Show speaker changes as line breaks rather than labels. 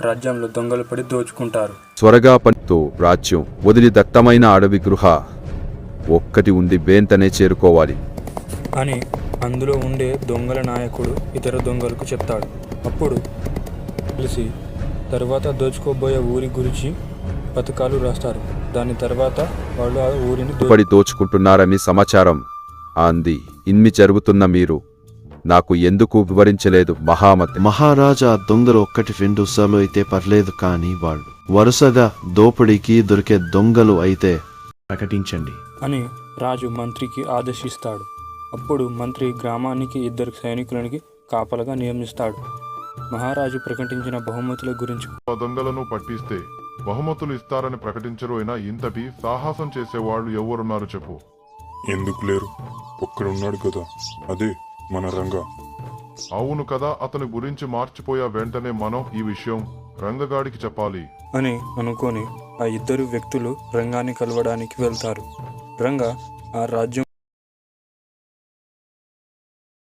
రాజ్యంలో దొంగలు పడి దోచుకుంటారు.
త్వరగా పనితో రాజ్యం వదిలి దత్తమైన అడవి గృహ ఒక్కటి ఉంది, వెంటనే చేరుకోవాలి
అని అందులో ఉండే దొంగల నాయకుడు ఇతర దొంగలకు చెప్తాడు. అప్పుడు కలిసి తర్వాత దోచుకోబోయే ఊరి గురించి పథకాలు రాస్తారు. దాని తర్వాత వాళ్ళు ఆ ఊరిని
పడి దోచుకుంటున్నారని సమాచారం అంది. ఇన్ని జరుగుతున్న మీరు నాకు ఎందుకు వివరించలేదు మహామతి?
మహారాజా, దొంగలు ఒక్కటి రెండు సార్లు అయితే పర్లేదు, కానీ వాళ్ళు వరుసగా దోపిడీకి దొరికే దొంగలు అయితే ప్రకటించండి
అని రాజు మంత్రికి ఆదేశిస్తాడు. అప్పుడు మంత్రి గ్రామానికి 2 సైనికులకి కాపలగా నియమిస్తాడు. మహారాజు ప్రకటించిన బహుమతుల గురించి
దొంగలను పట్టిస్తే బహుమతులు ఇస్తారని ప్రకటించరు. అయినా ఇంతటి సాహసం చేసేవాళ్ళు ఎవరున్నారు చెప్పు?
ఎందుకు లేరు? ఒక్కడున్నాడు కదా, అదే మన రంగా.
అవును కదా, అతని గురించి మార్చిపోయా. వెంటనే మనం ఈ విషయం రంగగాడికి చెప్పాలి
అని అనుకొని ఆ 2 వ్యక్తులు రంగాన్ని కలవడానికి వెళ్తారు. రంగా ఆ రాజ్యం